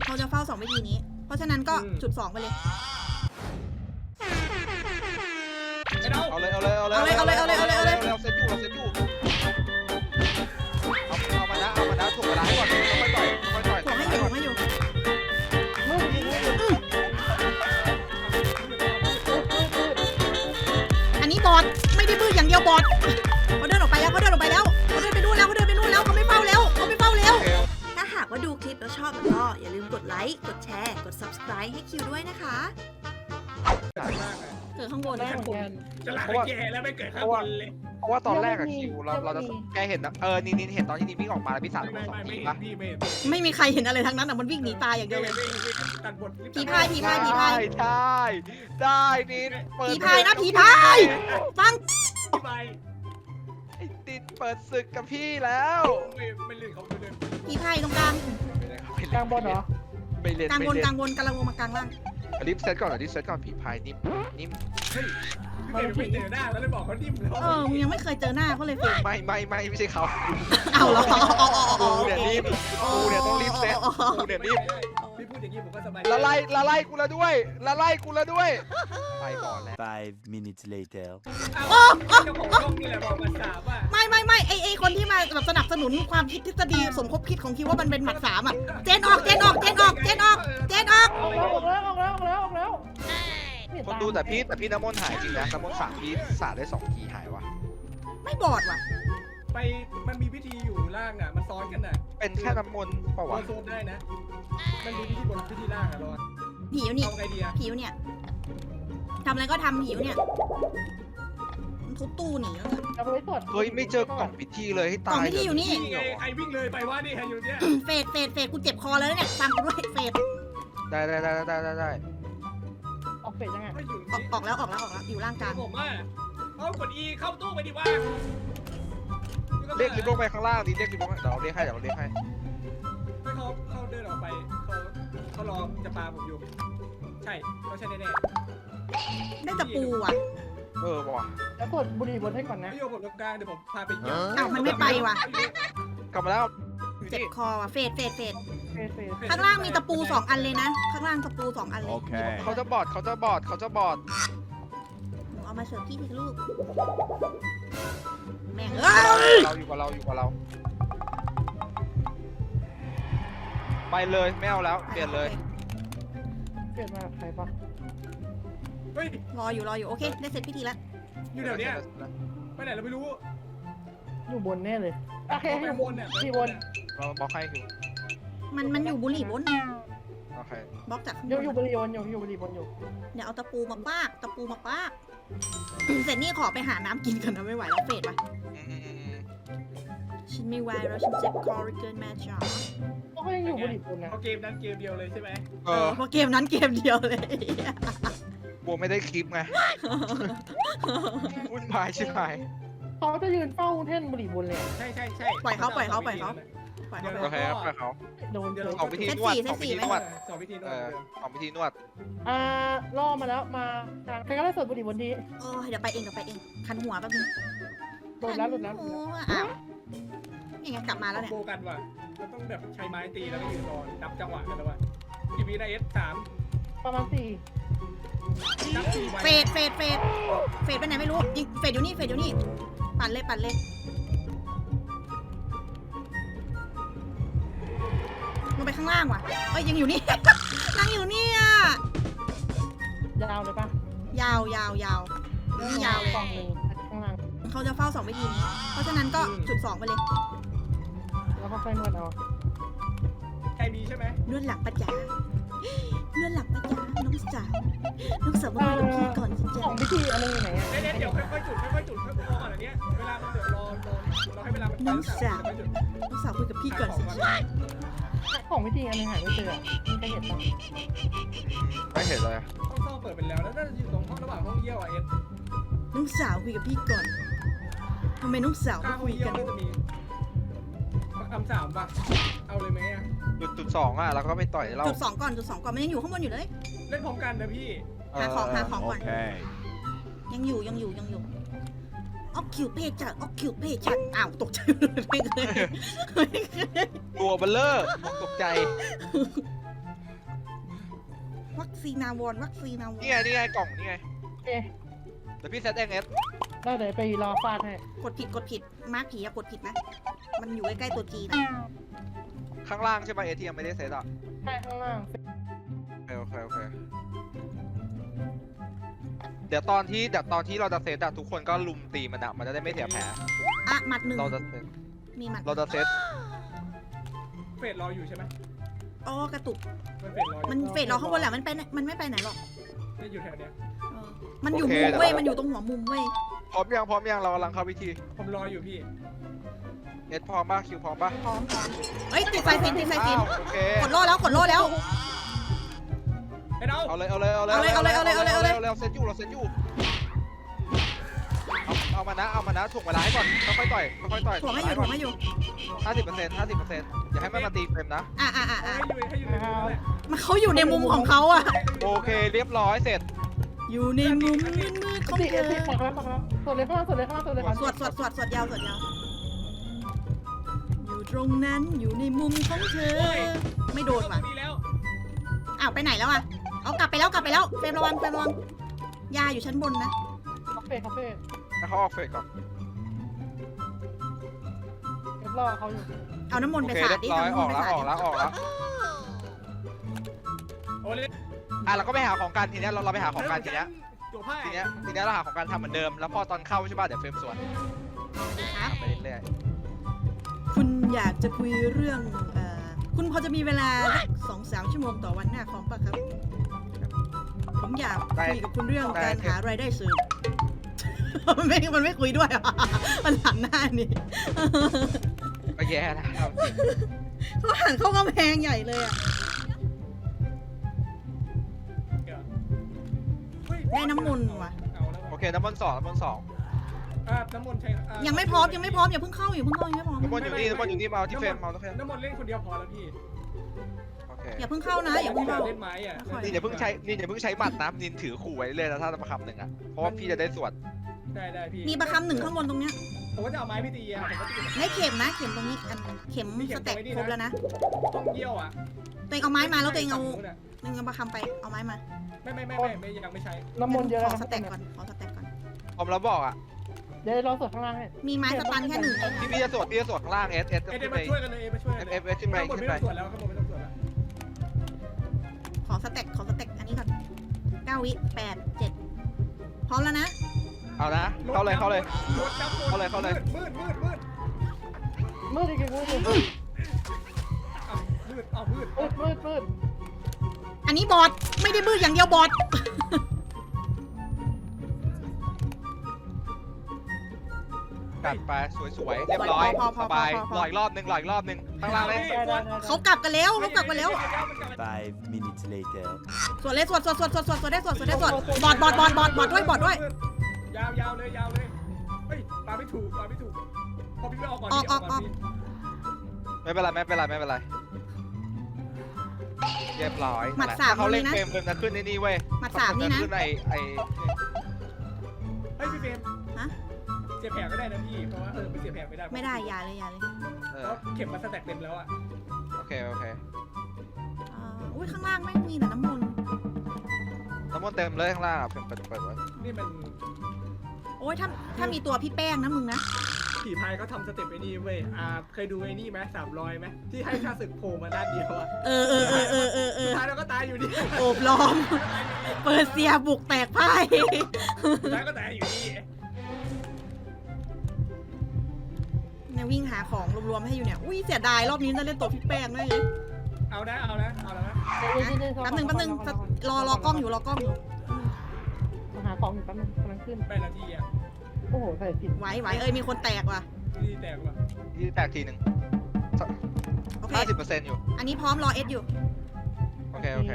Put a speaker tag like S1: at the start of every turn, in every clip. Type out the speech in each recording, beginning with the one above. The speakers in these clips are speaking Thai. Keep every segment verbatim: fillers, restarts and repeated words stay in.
S1: เขาจะเฝ้าสองวิธีนี้ เพราะฉะนั้นก็จุดสองไปเลย
S2: เอาเลยเอาเลยเอาเลย
S1: เอาเลยเอาเลยเอาเลยเอาเลย
S2: เราเซตอยู่เราเซตอยู่เอาเอามานะเอามานะถ่วงเวลาให้ก่อนค่อยต่อยค่อยต่อย
S1: ถ่วงให้อยู่ถ่วงให้อยู่อันนี้บอดไม่ได้มืออย่างเดียวบอดเขาเดินออกไปแล้วเขาเดินออกไปแล้วเขาเดินไปนู่นแล้วเขาเดินไปนู่นแล้วเขาไม่เฝ้าแล้วเขาไม่เฝ้าแล้วถ้าหากว่าดูคลิปแล้วชอบก็อย่าลืมกดไลค์กดแชร์กด ซับสไครบ์ ให้คิวด้วยนะคะเกิดข้างบน
S3: ได้เหมือนกัน
S4: จะลากไปแก่แล้วไม่เกิดข้างบนเลย
S2: เพราะว่าตอนแรกอะคิวเราเราจะแกเห็นนะเออนี่นี่เห็นตอนที่นี่วิ่งออกมาแล้วพี่สาว
S4: ไม่
S2: สอง
S4: ไม่ไม่
S2: ที
S4: เห็น
S2: ปะ
S4: พี่ไม่เห็น
S1: ไม่มีใครเห็นอะไรทั้งนั้นอ่ะมันวิ่งหนีตายอย่างเดียวเลย
S4: ตัดบท
S1: ผีพายผีพายผีพาย
S2: ใช่ได้นี่เปิด
S1: ผีพายนะผีพายฟัง
S4: ผีพาย
S2: ไอ้ติดเปิดศึกกับพี่แล้ว
S4: ไม่ไม่เล่นเขาไม่เล่น
S1: ผีพายตรงกลาง
S3: กลางบนเหรอ
S2: ไม่เล่น
S1: กลางบ
S2: ไม่
S1: น
S2: เล่น
S1: กลางบนกำลังลงมากลางล่าง
S2: รีบเซตก่อนรีบเซตก่อนผีพายนิ่มนิ่ม
S4: ไม่ไม่เจอหน้าแล้วเลยบอกเขาดิ้มแล้ว
S1: เออมึงยังไม่เคยเจอหน้าเขาเลยเฟย
S2: ไม่ไม่ไม่ไม่ใช่เขา
S1: เอาเหรออ๋ออ๋ออ๋อ
S2: กูเนี่ยนิ่มกูเนี่ยต้องรีบเซตกูเนี่ยนิ่ม
S4: พี่พูดอย่างนี้ผมก็สบาย
S2: ละไล่ละไล่กูละด้วยละไล่กูละด้วยไปก่อนแล้ว
S5: Five minutes later.
S4: โอ้เจ้าของช่องนี่แหละบอกมาสามว่า
S1: ไม่ไม่ไม่ไอไอคนที่มาแบบสนับสนุนความคิดทฤษฎีสมคบคิดของคิดว่ามันเป็นหมัดสามอ่ะเจนออกเจนออกเจนออกเจนออกเจนออก
S3: ออกแล้วออกแล้วออกแล้วออกแล้วออกแล้ว
S2: คนดูแต่พี่แต่พี่น้ำมนต์หายจริงนะน้ำมนต์สามพี่สาดได้สองทีหายวะ
S1: ไม่บอดว่ะ
S4: ไปมันมีพิธีอยู่ล่างอ่ะมันซ้อนกันอ่ะ
S2: เป็นแค่น้ำมนต์เปล่าวะ
S4: โซนได้นะมันมีพิธีบนพิธีล่างอ่ะรอ
S1: ผิวนี่
S4: เอาไงดีอ่ะ
S1: ผิวเนี่ยทำอะไรก็ทำผิวเนี่ยทุบตู้หนีแล้วเนี่ย
S3: เอาไปตรวจ
S2: เฮ้ยไม่เจอกล่องพิธีเลยให้
S1: กล่
S2: ตา
S1: อง
S2: ย
S1: พิธีอยู่นี่
S4: นี่ไงใครวิ่งเลยไปว่านี่ใครอยู่เนี่ย
S1: เฟดเฟดเฟดกูเจ็บคอแล้วเนี่ยฟังกูด้วยเฟด
S2: ได้ได้ได้ได้ได้ได้
S3: ออกเฟสยังไง
S4: ไม่อยู่
S1: ออกออกแล้วออกแล้วออกแล้วอยู่ล่างกลาง
S4: ผมว่าเอากด E เข้าตู้ไปดิว่า
S2: เรียกลิฟต์ลงไปข้างล่างดิเรียกลิฟต์ลงไปเดี๋ยวเราเรียกให้เดี๋ยวเราเรียกให้
S4: ให้เขาเขาเดินออกไปเขาเขารอจะปาผมอยู่ใช่เขาใช่แน่
S1: ได้ตะปูอ่ะ
S2: เออว่ะ
S3: แล้วตรวจบุหรี่บนให้ก่อน
S4: ๆ
S3: นะ
S4: ไม่โยกผมตรงกลางเดี๋ยวผมพาไปเยี่ยม
S1: อ้าวมันไม่ไปว่ะ
S2: กลับมาแล้ว
S1: เจ็บคอว่ะเฟดเฟดเฟด
S3: เฟสเฟส
S1: ข้างล่างมีตะปูสองอันเลยนะ ข้างล่างตะปูสองอันเลย
S5: Okay.
S2: เขาจะบอดเขาจะบอดเขาจะบอด
S1: หนูเอามาเสิร์ฟพี่ทีลูกแม่งเอ้ย
S2: เราอยู่กับเราอยู่กับเรา ไปเลยไม่เอาแล้วเปลี่ยนเลย
S3: เปลี่ยนมาใครปะ
S4: เฮ้ย
S1: รออยู่รออยู่โอเคได้เสร็จพิธีแล้ว
S4: อยู่แถวเนี้ยไปไหนเราไม่รู้
S3: อยู่บนแน่เลยโอเค
S4: ไป
S3: อยู่
S4: บบ น
S3: น
S4: เนี่ย
S3: ที่บน
S2: เราบล็อกให้อยู่
S1: มันมันอยู่บุหรี่บน
S2: โอเค
S1: บล็อกจากข้างบ
S3: อยู่
S1: น
S3: อยู่บุหรี่บนอยู่อยู่บุหรี่บนอยู่
S1: เดี๋ยวเอาตะปูมาปากตะปูมาปากเสร็จนี่ขอไปหาน้ำกินกันนะไม่ไหวแล้วเฟดไป
S2: อืมอืมอืมอืม
S1: ฉันไม่ไหวแล้วฉันเจ็บคอเหลือเกินแม่จ๋า
S3: ก็ยังอยู่บุหรี่บนนะ
S4: เอาเกมนั้นเกมเดียวเลยใช่ไหม
S2: เออ
S1: เพราะเกมนั้นเกมเดียวเลย
S2: บัวไม่ได้คลิปไงวุ่นวายใช่ไหม
S3: เขาจะยืนเฝ้าแท่นบุหรี่บนเลย
S4: ใช่ใช่ใช่
S1: ปล่อยเขาปล่อยเขาปล่อยเขาปล่อยเขา
S2: โอเคครับไปเขา
S3: โดนเจอ
S2: สองวิธีนวดสองวิธีนวด
S4: สองวิธีนว
S2: เอ
S4: ด
S2: อสองวิธีนวด
S3: อ่าล่อมาแล้วมาใครก็ได้สวดบุหรี่บนที
S1: โอ้ยเดี๋ยวไปเองเดี๋ยวไปเองคันหัวแป๊บนึง
S3: โดนแล้วหลุดแล้ว
S1: โอ้ยอ้าวยังไงกลับมาแล้วเนี่ย
S4: โบกันว่ะเราต้องแบบใช้ไม้ตีแล้วก็ยืนรอนับจังหวะกันแล้วว่ะกี่วินาทีสาม
S3: ประมาณสี่
S4: นับสี่ไว้
S1: เฟดเฟดเฟดเฟดไปไหนไม่รู้ยิงเฟดอยู่นี่เฟดอยู่นี่ปั่นเลยปั่นเลยลงไปข้างล่างว่ะเอ้ยยังอยู่นี่ นั่งอยู่นี่อ่ะ
S3: ยาวเลยปะ
S1: ยาวยาวยาวนี่ยาวเลย
S3: กล่องหนึ่งข้างล่าง
S1: เขาจะเฝ้าสองวิธีนี้ เพราะฉะนั้นก็จุดสองไปเลย
S3: แล้วก็ค่อยนวดเอา
S4: ใครมีใช่ไหม
S1: นวดหลังปะจ๋า นวดหลังปะจ๋าน้องสาวน้องสาวมาคุยกับพี่ก่อนสิ
S3: ข
S1: จ๊ะ
S3: องพิธีอะไรอยู่ไหนอ่ะ
S4: เดี๋ยวเดี๋ยวค่อยๆจุดค่อยๆจุดค่อยๆรอก่อนอันเนี้ยเวลามันเดือดรอรอรอให้เวลามัน
S1: น้องสาวน้องสาวคุยกับพี่ก่อนสิจ๊ะ
S3: ของพิธีอันนึงหายไม่เจอใครเห็นปะ
S2: ไม่เห็นเลย
S4: ห้องซ่อมเปิดไปแล้วแล้วน่าจะอยู่ตรงห้องระหว่างห้องเยี่ยวอ่ะเอ็ด
S1: น้องสาวคุยกับพี่ก่อนทำไมน้องสาว
S4: ข้า
S1: ไม่
S4: งห้อ
S1: คุ
S4: ง
S1: ย
S4: เยี่ย
S1: กั
S4: วน น่าจะมีคำสามป่ะเอาเลยไหมอ่ะ
S2: จุดจุดสองอ่ะแล้วก็ไปต่อยเรา
S1: จุดสองก่อนจุดสองก่อนมันยังอยู่ข้างบนอยู่เลย
S4: เล่นพร้อมกันนะพี่
S1: หาของหาของก่อน
S5: Okay.
S1: ยังอยู่ยังอยู่ยังอยู่ออกคิวเพจจัดออกคิวเพจจัดอ้าวตกใจเลยไม่เคยไม่เคย
S2: ตัวเบลเลอร์ตกใจ
S1: วัคซีนาวอนวัคซีนาวอน
S2: นี่ไงนี่ไงกล่องนี่ไง
S3: เอ๊ะ
S2: เดี๋ยวพี่เซตเองเอส
S3: ได้เดี๋ยวไปรอฟาดให้
S1: กดผิดกดผิดมาร์คผีอะกดผิดนะ มันอยู่ใกล้ๆตัวจีนะ
S2: ข้างล่างใช่ไหมเอทียังไม่ได้เซตอ่ะ
S3: ใช่ข้างล่าง
S2: โอเคโอเคโอเคเดี๋ยวตอนที่เดี๋ยวตอนที่เราจะเซตอะทุกคนก็ลุมตีมันอะมันจะได้ไม่เสียแผล
S1: อ่ะหมัดหนึ่ง
S2: เราจะเซต
S1: มีหมัด
S2: เราจะเซต
S4: เฟดรออยู่ใช่ไหม
S1: อ๋อกระตุก
S4: มันเฟดรออยู่
S1: มันเฟดเราข้างบนแหละมันไปไหนมันไม่ไปไหนหรอก
S4: นี่อยู่แถวเนี้ย
S1: เออมันอยู่มุมเว้ยมันอยู่ตรงหัวมุมเว้ย
S2: พร้อมยังพร้อมยังเรากำลังเข้าพิธี
S4: ผมรออยู่พี่
S2: เอสพร้อมป่ะคิวพร้อมป่ะ
S1: พร้อมพร้อมเฮ้ยติดไฟฟินติดไฟฟิน
S2: อ้าวโอเค
S1: กดโล่แล้วกดโล่แล้ว
S4: ไอ้เรา
S2: เอาเลยเอาเลยเอาเลย
S1: เอาเลยเอาเลยเอาเลยเอาเลย
S2: เอาเลยเซตอยู่เราเซตอยู่เอาเอามานะเอามานะถ่วงเวลาให้ก่อนค่อยๆต่อยค่อยๆต่อย
S1: ถ่วงให้อยู่ถ่วงให้อยู่
S2: ห้าสิบเปอร์เซ็นต์ห้าสิบเปอร์เซ็นต์อย่าให้มันมาตีเฟรมนะ
S1: อ่ะอ่ะอ่ะ
S4: ให้
S1: อ่ะ
S4: อยู่ให้อยู่ในมุมนั่นแหละ
S1: มันเขาอยู่ในมุมของเขาอะ
S2: โอเคเรียบร้อยเสร็จ
S1: อยู่ในมุมมืดๆของ
S3: ตี
S1: เธ
S3: เอ
S1: อ
S3: ตีปักแล้วปักแล้วส่วนเลยข้างล่างส่วนเลยข้างล่างส่วนเลยข้าง
S1: สวดสวดสวดสวดยาวสวดยาวอยู่ตรงนั้นอยู่ในมุมของเธอ ไม่โดนว่ะ
S4: ดีแล้ว
S1: อ้าวไปไหนแล้วอะเอากลับไปแล้วกลับไปแล้วเฟรมระวังเฟรมระวังยาอยู่ชั้นบนนะ
S3: คาเฟ่คาเฟ่
S2: แล้วเขาออกเฟรก่อน
S3: เดี๋ยวรอเขาอยู่
S1: เอาน้ำมน
S2: โอ
S1: ต์ไป
S2: เค
S1: สา
S2: เรี
S1: ด
S2: ยบ
S1: ดิ
S2: ร้อย
S1: เอา
S2: ออก
S1: น้ำมนต์ไป
S2: แล้ว
S1: สา
S2: ออก
S1: ด
S2: แล้วออกแล้ว
S4: โอ้เลย
S2: อ่ะเราก็ไปหาของกันทีเนี้ยเราเราไปหาของกันทีเนี้ย
S4: ตัวผ้า
S2: ทีเนี้ยทีเนี้ยเราหาของกันทำเหมือนเดิมแล้วพอตอนเข้าใช่ป่ะเดี๋ยวเฟรมสวน
S1: ครับ
S2: ไปเรื่อย
S1: คุณอยากจะคุยเรื่องเอ่อคุณพอจะมีเวลาสองสามชั่วโมงต่อวันหน้าคอมป่ะครับ ผมอยากคุยกับคุณเรื่องการหารายได้เสริม มันไม่มันไม่คุยด้วยอ่ะ มันหันหน้านี่
S2: ๆก็แย่แล้วครับ
S1: เขาหันเข้ากำแพงใหญ่เลยอ่ะ ได้น้ำมนต์ว่ะ
S4: เอาแล้ว
S2: โอเคน้ำมันต์สองน้ำมันต์สอง
S4: อ่าน้ำมนต์ใช่อ่า
S1: ยังไม่พร้อมยังไม่พร้อมอย่าเพิ่งเข้าอย่าเพิ่งเข้ายังไม่พร้อม
S2: น้ำมันต์อยู่นี่น้ำมันต์อยู่นี่มาเอาที่เฟรมมาเอาที่เฟรม
S4: น้ำมนต์เล่นคนเดียวพอแล้วพี่
S2: โอเค
S1: อย่าเพิ่งเข้านะอย่าเพิ่งเข้า
S4: เล่นไม้อ่ะ
S2: นี่อย่าเพิ่งใช้นี่อย่าเพิ่งใช้หมัดนะนินถือขู่ไว้เลยนะถ้าจะมาคำหนึ่งอ่ะเพราะว่าพี่จะได้สวด
S4: ได้ได้พี่
S1: มีประคำหนึ่งข้างบนตรงเนี้ย
S4: ผมก็จะเอาไม้พี่ตีอ่ะผมก็จะ
S1: ได้เข็มนะเข็มตรงนี้อันเข็มสแต็กครบแล้วนะ
S4: ต้องเยี่ยวอ่ะ
S1: ตัวเองเอาไม้มาแล้วตัวเองเอาตัวเองเอาประคำไปเอาไม้มา
S4: ไม่ไม่ไม่ไม่ไม่ยังไม่ใช้
S3: น้ำมนต์เยอะ
S1: ข
S3: แล้ว
S1: อ
S3: นะ
S1: สแต็กก่อนขอสแต็กก่อน
S2: ผมแล้วบอกอ่ะ
S3: เดี๋ยวรอสวดข้างล่างให้
S1: มีไม้สตันแค่หนึ่งเอง
S2: พี่พี่จะสวดพี่จะสวดข้างล่างเอสเอส
S4: เอ็
S2: ขึ้
S4: ม
S2: นไป
S4: มาช่วยกันเลยเอ็มมาช่วย
S2: เอฟเอฟเอสขึ้นไป
S4: ข้างบน
S2: ขึ้
S4: ไม่
S2: นไป
S4: ต้องตรวจแล้วข้างบนไม่ต้องตรวจแล้ว
S1: ขอสแต็กขอสแต็กอันนี้ก่อนเก้าวิแปดเจ็ดพร้อมแล้วนะ
S2: เอานะเข้าเลยเข้าเลย
S4: รถจับ
S2: เข้าเลยเข้าเลย
S4: มืดมืดมืด
S3: มืดจริงๆมืดจริง
S4: มืดเอามืดเอามืด
S3: มืดมืดมืด
S1: อันนี้บอทไม่ได้มืดอย่างเดียวบอท
S2: กัดไปสวยๆเรียบร้อยสบายหลอยรอบหนึ่งหลอยรอบหนึ่งข้างล่างเลย
S3: ได้ได้ได้
S1: เขากลับกันแล้วเขากลับกันแล้ว
S5: Five minutes later.
S1: สวดเลยสวดสวดสวดสวดสวดสวดได้สวดสวดได้สวดบอทบอทบอทบอทบอทด้วยบอทด้วย
S4: ยาวยาวเลยยาวเลยเฮ้ยปาไม่ถูกปาไม่ถูกพอพี่ไม่ออกก่อน
S1: ออกออกออก
S2: ไม่เป็นไรไม่เป็นไรไม่เป็นไรเรียบร้อย
S1: หมัดสาม
S2: ถ้าเขาเล่น
S1: ตรงนี้นะ
S2: เฟรมเฟรมจะขึ้นในนี่เว้ย
S1: หมัดสามนี่นะ
S2: ขึ้นไอไอ
S4: เฮ้ยพี่เฟรม
S1: ฮะ
S4: เสียแผลก็ได้นะพี่เพราะว่าเออมันเสียแผลไม่ได้
S1: ไม่ได้อย่าเลยอย่าเลย
S2: เอ
S4: เพ
S2: อ
S4: ราะเข็มมันสแต็กเต็มแล้วอ่ะ
S2: โอเคโอเค
S1: อ่าอุ้ยข้างล่างไม่มีแต่น้ำมนต์
S2: น้ำมันต์เต็มเลยข้างล่างอะเปิดเปิดเปิดไว้
S4: นี่มัน
S1: โอ้ยถ้าถ้ามีตัวพี่แป้งนะมึงนะ
S4: ผีพายเขาทำสเต็ปไอ้นี่เว้ยอ่าเคยดูไอ้นี่ไหมสามรอยไหมที่ให้ค่าศึกโผล่มาด้านเดียวอ่ะ
S1: เออเออเออเออเออเออ
S4: สุดท้ายเราก็ตายอยู่ดี
S1: โอบล้อม เปิดเสียบุกแตกพ่าย
S4: สุดท้ายก็ตายอยู่ดี
S1: เนี่ยวิ่งหาของรวมๆให้อยู่เนี่ยอุ้ยเสียดายรอบนี้จะเล่นตัวพี่แป้งด้วยเลย
S4: เอานะเอานะเอาแล้วนะ
S1: แป๊บหนึงแป๊บหนึงรอรอกล้องอยู่รอกล้องอยู่
S3: มาหาของอยู่แป๊บนึงกำลังขึ้น
S4: แปดนาทีอ่ะ
S3: โอ้โหใส่ผิด
S1: ไหวไหวเอ้ยมีคนแตกว่ะ
S4: นี่แตกว่ะ
S2: ที่แตกทีหนึ่ง
S1: โอเค
S2: ห้าสิบเปอร์เซ็นต์อยู่
S1: อันนี้พร้อมรอเอสอยู่
S2: โอเคโอเค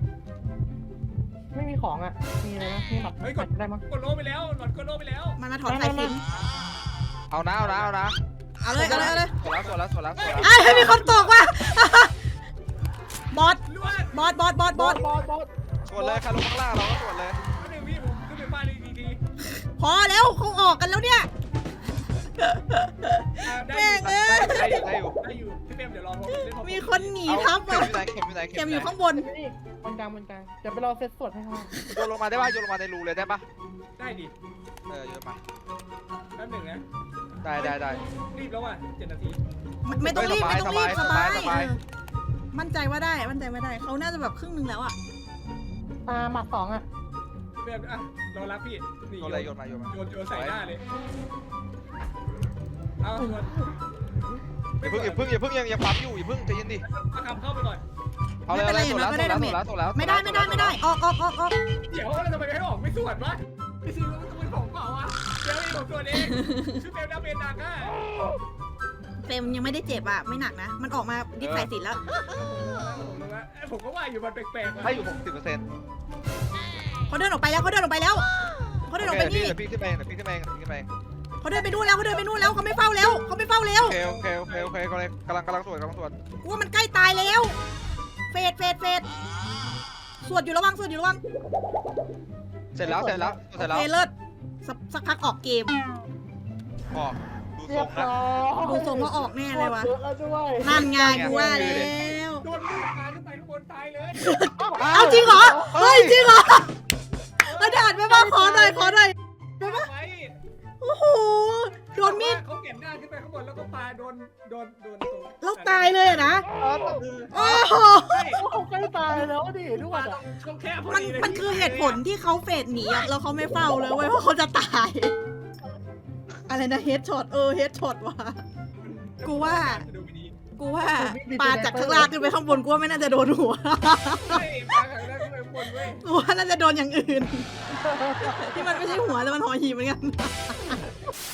S3: ไม่มีของอ่ะมีอะไรนะมีหมัดหมัดได้มั้ง
S4: กดโลไปแล้วหลอดกดโลไปแล้ว
S1: มันมาถอนสายสิญจน
S2: เอานะเอานะเอานะ
S1: เอาเลยเอาเลยเอาเลย
S2: สวดแล้วสวดแล้วสวดแล้วสวดแล้ว
S1: อ้าวมีคนตกว่ะ บอส
S4: ลวด
S1: บอสบอสบอสบอส
S3: บอสบอส
S2: สวดเลยใครลงข้างล่างเราก็สวดเลย
S4: ก็หนึ่งพี่ผมขึ้นไปบ้านเลยดี
S1: พอแล้วเขาออกกันแล้วเนี่ย
S4: ๆอ่าได้
S1: แม่งเอ้ย
S2: ได้อยู่ได้อยู่
S4: ได้อยู่พี่เปรมเดี๋ยวรอพอเล่นพอ
S1: มีคนหนีทับ
S2: เข็
S1: อ่ะ
S2: มอยู่ไหนเข็มอยู่ไหน
S1: เข็มอยู่ข้างบน
S3: นี่บนกลางบนกลางเดี๋ยวไปรอเซตสวดให้เขา
S2: โยนลงมาได้ป่ะโยนลงมาในรูเลยได้ป่ะ
S4: ได้ดิ
S2: เออโยนมา
S4: แป๊บหนึ่งนะ
S2: ได้ได้ได้
S4: รีบแล้วอ่ะเจ็ดนาที
S1: ไม่ไม่ต้องรีบ
S2: สบาย
S1: ไม่ต้องรีบ
S2: ส
S1: ส
S2: บา
S1: บาย ย
S2: สบาย
S1: เออมั่นใจว่าได้มั่นใจว่าได้เขาน่าจะแบบครึ่งหนึงแล้วอ่ะ
S3: ตาหมัดสองอ่ะ
S4: แบบอ่ะรอรับพี่นี่
S2: โยนเลยโยนมาโยนมา
S4: โยนโยนใส่หน้าเลยเอาโยน
S2: อย่าเพิ่งอย่าเพิ่งอย่าเพิ่งยังยังปั๊มอยู่อย่าเพิ่งใจเย็นดิ
S4: เอาคำเข้าไปก่อน
S2: เอาเลยเอาเลยส่วนแล้วส่วนแล้วส่วนแล้วส่วนแล้ว
S1: ไม่ได้ไม่ได้ไม่ได้ออกออกออกออก
S4: เดี๋ยวเราทำไมไม่ให้ออกไม่สวดวะไม่ซื้อมันต้องเป็นของเปล่าอ่ะเดี๋ยวนี่ผมสวดเองชื่อเบลดาเบนดักอ่ะ
S1: เฟรมยังไม่ได้เจ็บอ่ะไม่หนักนะ มันออกมาดิสสายสินแล้ว
S4: ผมก็ว่าอยู่มันแปลกๆ
S2: ให้อยู่หกสิบเปอร์เซ็นต์
S1: เขาเดินออกไปแล้วเขาเดินออกไปแล้วเขาเดินออกไป
S2: เดี๋ยว
S1: นี่
S2: พี่ขึ้นไปเองเดี๋ยวพี่ขึ้นไปเองเดี๋ยวพี่ขึ้นไปเอง
S1: เขาเดินไปนู่นแล้วเขาเดินไปนู่นแล้วเขาไม่เฝ้าแล้วเขาไม่เฝ้าแล้ว
S2: โอเคโอเคโอเคโอเคกำลังกำลังกำลังสวดกำลังสวด
S1: กูว่ามันใกล้ตายแล้ว เฟดเฟดเฟดสวดอยู่ระวังสวดอยู่ระวัง
S2: เสร็จแล้วเสร็จแล้วเสร็จแล้ว
S1: เฟดเลิศสักสักพักออกเกม
S2: ออกดู
S3: เรี
S2: ท
S3: ย
S2: ร
S3: บ
S2: งนะ
S3: ร้อย
S1: ดูทรงว่าออกแน่เลยวะ
S3: เยอะแล้วด้วย
S1: นั่นไงกูว่าแล้ว
S4: โดนลูกตาขึ้นไปข้างบนตายเลย
S1: เอาจริงเหรอเฮ้ยจริงเหรอเอาด่านไปบ้างขอหน่อยขอหน่อย
S4: ไป
S1: โอ้โหโดนมีด
S4: เขาเก็บหน้าขึ้นไปข้างบนแล้วก็ปาโดนโดนโดนตรง
S1: แล้วตายเลยอะนะ
S4: เออ
S1: โอ้โห
S3: เขาใกล้ตายแล้วดิด้ว
S4: ปาย ตร
S3: อ่ะ
S4: งช่องแคบพอ
S1: มัน
S4: ดีเลย
S1: มันคือเหตุผลที่เขาเฟดหนีอะแล้วเขาไม่เฝ้าเลยเว้ยเพราะเขาจะตาย อะไรนะเฮดช็อตเออเฮดช็อตว่ะกูว่า
S4: ดูไม่ดี
S1: กูว่าปลาจากข้างล่างขึ้นไปข้างบนกูว่าไม่น่าจะโดนหัว
S4: เฮ้ยปาข้างล่างขึ้นไปข้างบนเว้ย
S1: กูว่าน่าจะโดนอย่างอื่น ที่มันไม่ใช่หัวแต่มันหอหีบเหมือนกัน